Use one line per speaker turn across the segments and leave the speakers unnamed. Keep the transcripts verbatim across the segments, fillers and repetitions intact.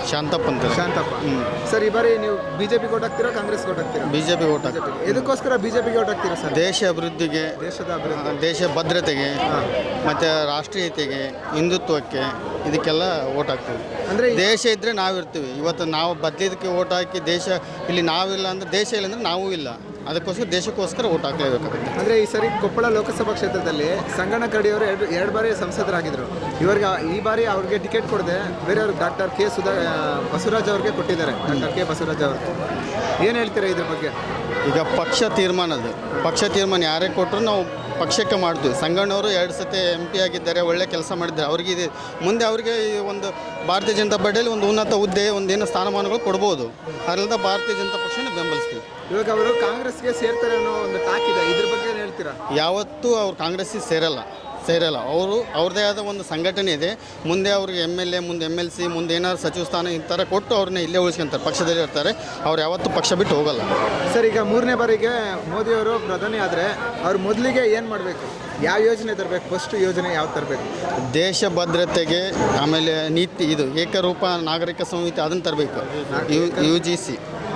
ಶಾಂತಪ್ಪ ಅಂತ.
ಶಾಂತಪ್ಪ. ಸರ್ ಈ ಬಾರಿ ನೀವು ಬಿಜೆಪಿ ಓಟ್ ಹಾಕ್ತೀರಾ ಕಾಂಗ್ರೆಸ್ ಓಟ್ ಹಾಕ್ತೀರಾ?
ಬಿಜೆಪಿ ಓಟ್ ಹಾಕ್ತೀವಿ.
ಇದಕ್ಕೋಸ್ಕರ ಬಿಜೆಪಿಗೆ ಓಟ್ ಹಾಕ್ತೀರಾ ಸರ್?
ದೇಶ ಅಭಿವೃದ್ಧಿಗೆ,
ದೇಶದ ಅಭಿವೃದ್ಧಿ,
ದೇಶ ಭದ್ರತೆಗೆ ಮತ್ತು ರಾಷ್ಟ್ರೀಯತೆಗೆ, ಹಿಂದುತ್ವಕ್ಕೆ ಇದಕ್ಕೆಲ್ಲ ಓಟ್ ಹಾಕ್ತೀವಿ. ಅಂದರೆ ದೇಶ ಇದ್ದರೆ ನಾವಿರ್ತೀವಿ. ಇವತ್ತು ನಾವು ಬದಲಿದಕ್ಕೆ ಓಟ್ ಹಾಕಿ ದೇಶ ಇಲ್ಲಿ ನಾವಿಲ್ಲ ಅಂದರೆ ದೇಶ ಇಲ್ಲ ಅಂದರೆ ನಾವೂ ಇಲ್ಲ. ಅದಕ್ಕೋಸ್ಕರ ದೇಶಕ್ಕೋಸ್ಕರ ಓಟ್ ಹಾಕಲೇಬೇಕಾಗುತ್ತೆ.
ಅಂದರೆ ಈ ಸರಿ ಕೊಪ್ಪಳ ಲೋಕಸಭಾ ಕ್ಷೇತ್ರದಲ್ಲಿ ಸಂಗಣ್ಣ ಕಡಿಯವರು ಎರಡು ಎರಡು ಬಾರಿ ಸಂಸದರಾಗಿದ್ದರು. ಇವರಿಗೆ ಈ ಬಾರಿ ಅವ್ರಿಗೆ ಟಿಕೆಟ್ ಕೊಡದೆ ಬೇರೆಯವರು ಡಾಕ್ಟರ್ ಕೆ ಸುಧಾ ಬಸವರಾಜ್ ಅವ್ರಿಗೆ ಕೊಟ್ಟಿದ್ದಾರೆ. ಡಾಕ್ಟರ್ ಕೆ ಬಸವರಾಜ್ ಅವರು ಏನು ಹೇಳ್ತೀರಾ ಇದ್ರ ಬಗ್ಗೆ?
ಈಗ ಪಕ್ಷ ತೀರ್ಮಾನದು ಪಕ್ಷ ತೀರ್ಮಾನ ಯಾರೇ ಕೊಟ್ಟರು ನಾವು ಪಕ್ಷಕ್ಕೆ ಮಾಡ್ತೀವಿ. ಸಂಗಣ್ಣವರು ಎರಡು ಸತಿ ಎಂ ಪಿ ಆಗಿದ್ದಾರೆ, ಒಳ್ಳೆ ಕೆಲಸ ಮಾಡಿದ್ದಾರೆ. ಅವ್ರಿಗೆ ಇದು ಮುಂದೆ ಅವರಿಗೆ ಒಂದು ಭಾರತೀಯ ಜನತಾ ಪಾರ್ಟಿಯಲ್ಲಿ ಒಂದು ಉನ್ನತ ಹುದ್ದೆ ಒಂದೇನು ಸ್ಥಾನಮಾನಗಳು ಕೊಡ್ಬೋದು. ಅದರಿಂದ ಭಾರತೀಯ ಜನತಾ ಪಕ್ಷನ ಬೆಂಬಲಿಸ್ತೀವಿ.
ಇವಾಗ ಅವರು ಕಾಂಗ್ರೆಸ್ಗೆ ಸೇರ್ತಾರೆ ಅನ್ನೋ ಒಂದು ಟಾಕ್ ಇದೆ, ಇದ್ರ ಬಗ್ಗೆ ಏನು ಹೇಳ್ತೀರಾ?
ಯಾವತ್ತೂ ಅವ್ರು ಕಾಂಗ್ರೆಸ್ಸಿಗೆ ಸೇರಲ್ಲ ಸೇರಲ್ಲ ಅವರು ಅವ್ರದ್ದೇ ಆದ ಒಂದು ಸಂಘಟನೆ ಇದೆ. ಮುಂದೆ ಅವ್ರಿಗೆ ಎಮ್ ಎಲ್ ಎ, ಮುಂದೆ ಎಮ್ ಎಲ್ ಸಿ, ಮುಂದೆ ಏನಾದ್ರು ಸಚಿವ ಸ್ಥಾನ ಈ ಥರ ಕೊಟ್ಟು ಅವ್ರನ್ನ ಇಲ್ಲೇ ಉಳಿಸ್ಕೊಂತಾರೆ, ಪಕ್ಷದಲ್ಲಿ ಇರ್ತಾರೆ. ಅವ್ರು ಯಾವತ್ತೂ ಪಕ್ಷ ಬಿಟ್ಟು ಹೋಗಲ್ಲ.
ಸರ್ ಈಗ ಮೂರನೇ ಬಾರಿಗೆ ಮೋದಿಯವರು ಪ್ರಧಾನಿ ಆದರೆ ಅವ್ರು ಮೊದಲಿಗೆ ಏನು ಮಾಡಬೇಕು? ಯಾವ ಯೋಜನೆ ತರಬೇಕು? ಫಸ್ಟ್ ಯೋಜನೆ ಯಾವ ತರಬೇಕು?
ದೇಶ ಭದ್ರತೆಗೆ, ಆಮೇಲೆ ನೀತಿ ಇದು ಏಕರೂಪ ನಾಗರಿಕ ಸಂಹಿತೆ ಅದನ್ನು ತರಬೇಕು. ಯು ಯು ಜಿ ಸಿ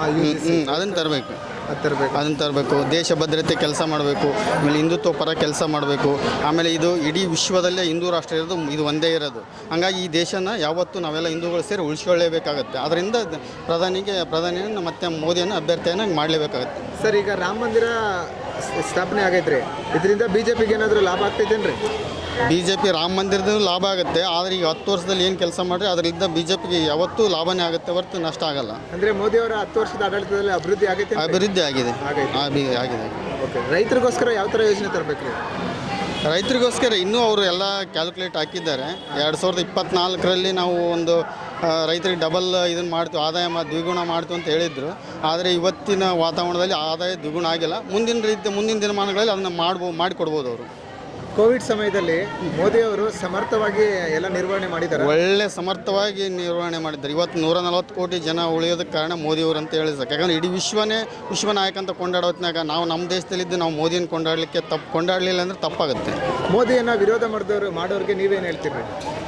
ಅದನ್ನು ತರಬೇಕು
ತರಬೇಕು
ಅದನ್ನು ತರಬೇಕು. ದೇಶ ಭದ್ರತೆ ಕೆಲಸ ಮಾಡಬೇಕು. ಆಮೇಲೆ ಹಿಂದುತ್ವ ಪರ ಕೆಲಸ ಮಾಡಬೇಕು. ಆಮೇಲೆ ಇದು ಇಡೀ ವಿಶ್ವದಲ್ಲೇ ಹಿಂದೂ ರಾಷ್ಟ್ರ ಇರೋದು ಇದು ಒಂದೇ ಇರೋದು. ಹಂಗಾಗಿ ಈ ದೇಶನ ಯಾವತ್ತೂ ನಾವೆಲ್ಲ ಹಿಂದೂಗಳು ಸೇರಿ ಉಳಿಸ್ಕೊಳ್ಳೇಬೇಕಾಗತ್ತೆ. ಅದರಿಂದ ಪ್ರಧಾನಿಗೆ ಪ್ರಧಾನಿಯನ್ನು ಮತ್ತು ಮೋದಿಯನ್ನು ಅಭ್ಯರ್ಥಿಯನ್ನು ಮಾಡಲೇಬೇಕಾಗತ್ತೆ.
ಸರ್ ಈಗ ರಾಮ ಮಂದಿರ ಸ್ಥಾಪನೆ ಆಗೈತ್ರಿ, ಇದರಿಂದ ಬಿ ಜೆ ಪಿಗೆ ಏನಾದರೂ ಲಾಭ ಆಗ್ತೈತೇನ್ರಿ?
ಬಿ ಜೆ ಪಿ ರಾಮ ಮಂದಿರದ ಲಾಭ ಆಗುತ್ತೆ. ಆದರೆ ಈಗ ಹತ್ತು ವರ್ಷದಲ್ಲಿ ಏನು ಕೆಲಸ ಮಾಡಿದ್ರೆ ಅದರಿಂದ ಬಿ ಜೆ ಪಿಗೆ ಯಾವತ್ತೂ ಲಾಭನೇ ಆಗುತ್ತೆ ಹೊರತು ನಷ್ಟ ಆಗಲ್ಲ.
ಅಂದರೆ ಮೋದಿ ಅವರ ಹತ್ತು ವರ್ಷದ ಆಡಳಿತದಲ್ಲಿ ಅಭಿವೃದ್ಧಿ ಆಗೈತೆ?
ಅಭಿವೃದ್ಧಿ ಆಗಿದೆ ಆಗಿದೆ.
ಓಕೆ, ರೈತರಿಗೋಸ್ಕರ ಯಾವ ಥರ ಯೋಜನೆ ತರಬೇಕು ರೀ?
ರೈತರಿಗೋಸ್ಕರ ಇನ್ನೂ ಅವರು ಎಲ್ಲ ಕ್ಯಾಲ್ಕುಲೇಟ್ ಹಾಕಿದ್ದಾರೆ. ಎರಡು ಸಾವಿರದ ಇಪ್ಪತ್ತ್ನಾಲ್ಕರಲ್ಲಿ ನಾವು ಒಂದು ರೈತರಿಗೆ ಡಬಲ್ ಇದನ್ನು ಮಾಡ್ತೀವಿ, ಆದಾಯ ಮಾ ದ್ವಿಗುಣ ಮಾಡ್ತೀವಿ ಅಂತ ಹೇಳಿದರು. ಆದರೆ ಇವತ್ತಿನ ವಾತಾವರಣದಲ್ಲಿ ಆದಾಯ ದ್ವಿಗುಣ ಆಗಿಲ್ಲ. ಮುಂದಿನ ರೀತಿ ಮುಂದಿನ ದಿನಮಾನಗಳಲ್ಲಿ ಅದನ್ನು ಮಾಡ್ಬೋದು ಮಾಡಿಕೊಡ್ಬೋದು ಅವರು.
ಕೋವಿಡ್ ಸಮಯದಲ್ಲಿ ಮೋದಿಯವರು ಸಮರ್ಥವಾಗಿ ಎಲ್ಲ ನಿರ್ವಹಣೆ ಮಾಡಿದ್ದಾರೆ,
ಒಳ್ಳೆ ಸಮರ್ಥವಾಗಿ ನಿರ್ವಹಣೆ ಮಾಡಿದ್ದಾರೆ. ಇವತ್ತು ನೂರ ನಲ್ವತ್ತು ಕೋಟಿ ಜನ ಉಳಿಯೋದಕ್ಕೆ ಕಾರಣ ಮೋದಿಯವರು ಅಂತ ಹೇಳಿ ಸಾಕು. ಯಾಕಂದರೆ ಇಡೀ ವಿಶ್ವನೇ ವಿಶ್ವ ನಾಯಕ ಅಂತ ಕೊಂಡಾಡೋ ಹೊತ್ತಿನಾಗ ನಾವು ನಮ್ಮ ದೇಶದಲ್ಲಿದ್ದು ನಾವು ಮೋದಿಯನ್ನು ಕೊಂಡಾಡಲಿಕ್ಕೆ ತಪ್ಪು ಕೊಂಡಾಡಲಿಲ್ಲ ಅಂದರೆ ತಪ್ಪಾಗುತ್ತೆ.
ಮೋದಿಯನ್ನು ವಿರೋಧ ಮಾಡಿದವರು ಮಾಡೋರಿಗೆ ನೀವೇನು ಹೇಳ್ತೀರಿ?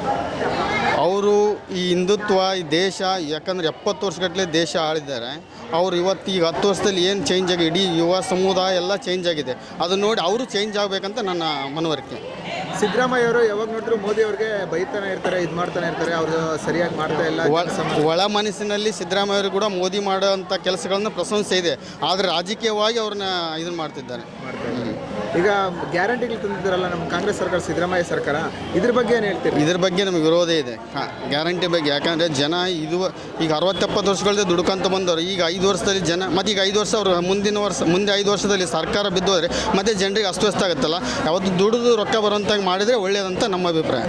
ಅವರು ಈ ಹಿಂದುತ್ವ ಈ ದೇಶ ಯಾಕಂದರೆ ಎಪ್ಪತ್ತು ವರ್ಷಗಟ್ಟಲೆ ದೇಶ ಆಳಿದ್ದಾರೆ. ಅವರು ಇವತ್ತು ಈಗ ಹತ್ತು ವರ್ಷದಲ್ಲಿ ಏನು ಚೇಂಜ್ ಆಗಿ ಇಡೀ ಯುವ ಸಮುದಾಯ ಎಲ್ಲ ಚೇಂಜ್ ಆಗಿದೆ. ಅದನ್ನು ನೋಡಿ ಅವರು ಚೇಂಜ್ ಆಗಬೇಕಂತ ನನ್ನ ಮನವರಿಕೆ.
ಸಿದ್ದರಾಮಯ್ಯ ಅವರು ಯಾವಾಗ ನೋಡಿದ್ರು ಮೋದಿ ಅವ್ರಿಗೆ ಬೈತಾನೆ ಇರ್ತಾರೆ, ಇದು ಮಾಡ್ತಾನೆ ಇರ್ತಾರೆ, ಅವರು ಸರಿಯಾಗಿ ಮಾಡ್ತಾ ಇಲ್ಲ.
ಒಳ ಮನಸ್ಸಿನಲ್ಲಿ ಸಿದ್ದರಾಮಯ್ಯ ಅವರು ಕೂಡ ಮೋದಿ ಮಾಡೋಂಥ ಕೆಲಸಗಳನ್ನ ಪ್ರಶಂಸೆ ಇದೆ. ಆದರೆ ರಾಜಕೀಯವಾಗಿ ಅವ್ರನ್ನ ಇದನ್ನು ಮಾಡ್ತಿದ್ದಾರೆ.
ಈಗ ಗ್ಯಾರಂಟಿಗಳು ತಂದಿದ್ದಾರಲ್ಲ ನಮ್ಮ ಕಾಂಗ್ರೆಸ್ ಸರ್ಕಾರ, ಸಿದ್ದರಾಮಯ್ಯ ಸರ್ಕಾರ, ಇದ್ರ ಬಗ್ಗೆ ಏನು ಹೇಳ್ತೀರಿ?
ಇದ್ರ ಬಗ್ಗೆ ನಮಗೆ ವಿರೋಧ ಇದೆ ಹಾಂ ಗ್ಯಾರಂಟಿ ಬಗ್ಗೆ. ಯಾಕಂದರೆ ಜನ ಇದು ಈಗ ಅರವತ್ತೆಪ್ಪತ್ತು ವರ್ಷಗಳದ್ದು ದುಡ್ಕೊಂತ ಬಂದವರು ಈಗ ಐದು ವರ್ಷದಲ್ಲಿ ಜನ ಮತ್ತು ಈಗ ಐದು ವರ್ಷ ಅವರು ಮುಂದಿನ ವರ್ಷ ಮುಂದೆ ಐದು ವರ್ಷದಲ್ಲಿ ಸರ್ಕಾರ ಬಿದ್ದೋದ್ರೆ ಮತ್ತೆ ಜನರಿಗೆ ಅಸ್ತವ್ಯಸ್ತ ಆಗುತ್ತಲ್ಲ. ಯಾವತ್ತು ದುಡಿದು ರೊಕ್ಕ ಬರೋಂತಾಗಿ ಮಾಡಿದರೆ ಒಳ್ಳೆಯದಂತ ನಮ್ಮ ಅಭಿಪ್ರಾಯ.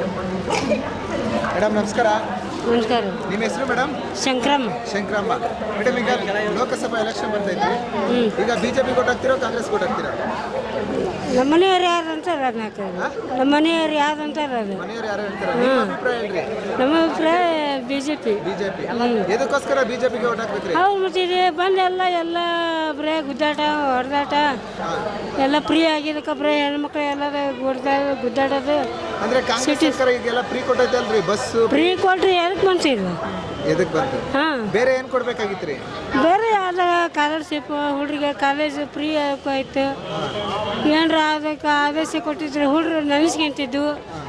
ಮೇಡಮ್ ನಮಸ್ಕಾರ.
ನಮಸ್ಕಾರ.
ನಿಮ್ಮ ಹೆಸರು ಮೇಡಮ್?
ಶಂಕರಮ್ಮ.
ಶಂಕರಮ್ಮ ಮೇಡಮ್, ಈಗ ಲೋಕಸಭಾ ಎಲೆಕ್ಷನ್ ಬರ್ತೈತಿ, ಈಗ ಬಿಜೆಪಿ ಕೊಟ್ಟು ಹಾಕ್ತಿರೋ ಕಾಂಗ್ರೆಸ್ ಕೊಟ್ಟು ಹಾಕ್ತಿರೋ?
ನಮ್ಮ ಮನೆಯವ್ರು ಯಾರು ಅಂತಾರೆ ಅದನ್ನ ಹಾಕೋದು. ನಮ್ಮ ಮನೆಯವ್ರು ಯಾರು ಅಂತಾರೆ ಅದು.
ಮನೆಯವ್ರು ಯಾರು ಹೇಳ್ತಾರೆ? ನಿಮ್ಮ ಅಭಿಪ್ರಾಯ ಹೇಳ್ರಿ.
ನಮ್ಮ ಅಭಿಪ್ರಾಯ ಬಿ ಜೆ ಪಿ.
ಬಿಜೆಪಿ ಎದಕ್ಕೋಸ್ಕರ ಬಿಜೆಪಿಗೆ ಓಟ್ ಹಾಕ್ಬೇಕ್ರಿ?
ಹೌದು, ಮತ್ತೆ ಇದೆ ಬಂದೆಲ್ಲ ಎಲ್ಲ ಬರೇ ಗುದ್ದಾಟ ಹೊಡೆದಾಟ ಎಲ್ಲ ಫ್ರೀ ಆಗಿದ್ದಕ್ಕೆ ಬರೀ ಹೆಣ್ಮಕ್ಳು ಎಲ್ಲರೂ ಗುಡ್ದಾ ಗುದ್ದಾಡೋದು.
ಅಂದ್ರೆ ಕಾಂಗ್ರೆಸ್ ಸರ್ಕಾರ ಈಗೆಲ್ಲ ಫ್ರೀ ಕೊಟ್ಟೈತೆ ಅಲ್ರಿ ಬಸ್?
ಫ್ರೀ ಕೊಟ್ರಿ ಎದಕ್ಕೆ ಮನ್ಸಿಲ್ಲ?
ಎದಕ್ಕೆ ಬಂತು? ಹಾಂ, ಬೇರೆ ಏನು ಕೊಡ್ಬೇಕಾಗಿತ್ತು ರೀ?
ಬೇರೆ ಯಾವ್ದು ಸ್ಕಾಲರ್ಶಿಪ್ ಹುಡುಗರಿಗೆ ಕಾಲೇಜ್ ಫ್ರೀ ಆಯ್ತು. ಏನ್ರ ಅದಕ್ಕೆ ಆದೇಶ ಕೊಟ್ಟಿದ್ರೆ ಹುಡುಗರು ನೆನೆಸ್ಕೊಂತಿದ್ದು.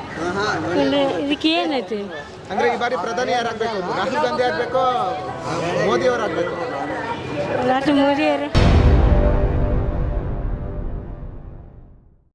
ಇದಕ್ಕೆ ಏನೈತಿ?
ಅಂದ್ರೆ ಈ ಬಾರಿ ಪ್ರಧಾನಿ ಯಾರು ಆಗ್ಬೇಕು? ರಾಹುಲ್ ಗಾಂಧಿ ಆಗ್ಬೇಕು, ಮೋದಿ ಅವ್ರು ಆಗ್ಬೇಕು?
ರಾಷ್ಟ್ರ ಮೋದಿಯವರು.